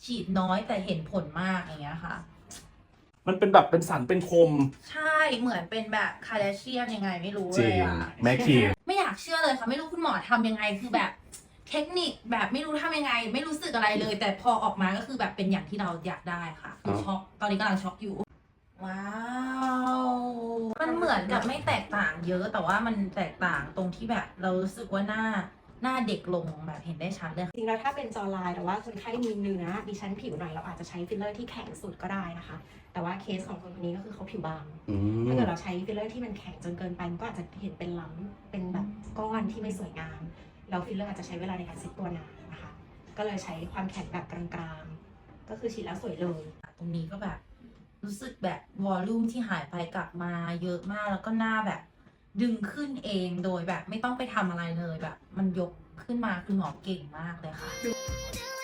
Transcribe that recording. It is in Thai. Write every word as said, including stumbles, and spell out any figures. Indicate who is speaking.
Speaker 1: ฉีดน้อยแต่เห็นผลมากอย่างเงี้ยค่ะ
Speaker 2: มันเป็นแบบเป็นสันเป็นคม
Speaker 1: ใช่เหมือนเป็นแบบคาร์เดเชียนยังไงไม่รู้
Speaker 2: จ
Speaker 1: เล
Speaker 2: ริ
Speaker 1: ย
Speaker 2: ง
Speaker 1: อะ
Speaker 2: แม่คีม
Speaker 1: ไม่อยากเชื่อเลยค่ะไม่รู้คุณหมอทำยังไงคือแบบเทคนิคแบบไม่รู้ทำยังไง ไม่รู้สึกอะไรเลย แต่พอออกมาก็คือแบบเป็นอย่างที่เราอยากได้ค่ะคือช็อกตอนนี้กำลังช็อกอยู่ว้าวมันเหมือนกับไม่แตกต่างเยอะแต่ว่ามันแตกต่างตรงที่แบบเรารู้สึกว่าหน้าหน้าเด็กลงแบบเห็นได้ชัดเลย
Speaker 3: จริงแล้วถ้าเป็นจอไลน์แต่ว่าคนไข้มีเนื้อมีชั้นผิวหน่อยเราอาจจะใช้ฟิลเลอร์ที่แข็งสุดก็ได้นะคะแต่ว่าเคสของคนคนนี้ก็คือเขาผิวบาง
Speaker 2: อื
Speaker 3: ถ้าม เกิดเราใช้ฟิลเลอร์ที่มันแข็งจนเกินไปมันก็อาจจะเห็นเป็นล้ำเป็นแบบก้อนที่ไม่สวยงามแล้วฟิลเลอร์อาจจะใช้เวลาในการเซ็ตตัวนานนะคะก็เลยใช้ความแข็งแบบกลางๆก็คือฉีดแล้วสวยเลย
Speaker 1: ตรงนี้ก็แบบรู้สึกแบบวอลลุ่มที่หายไปกลับมาเยอะมากแล้วก็หน้าแบบดึงขึ้นเองโดยแบบไม่ต้องไปทำอะไรเลยแบบมันยกขึ้นมาคือหมอเก่งมากเลยค่ะ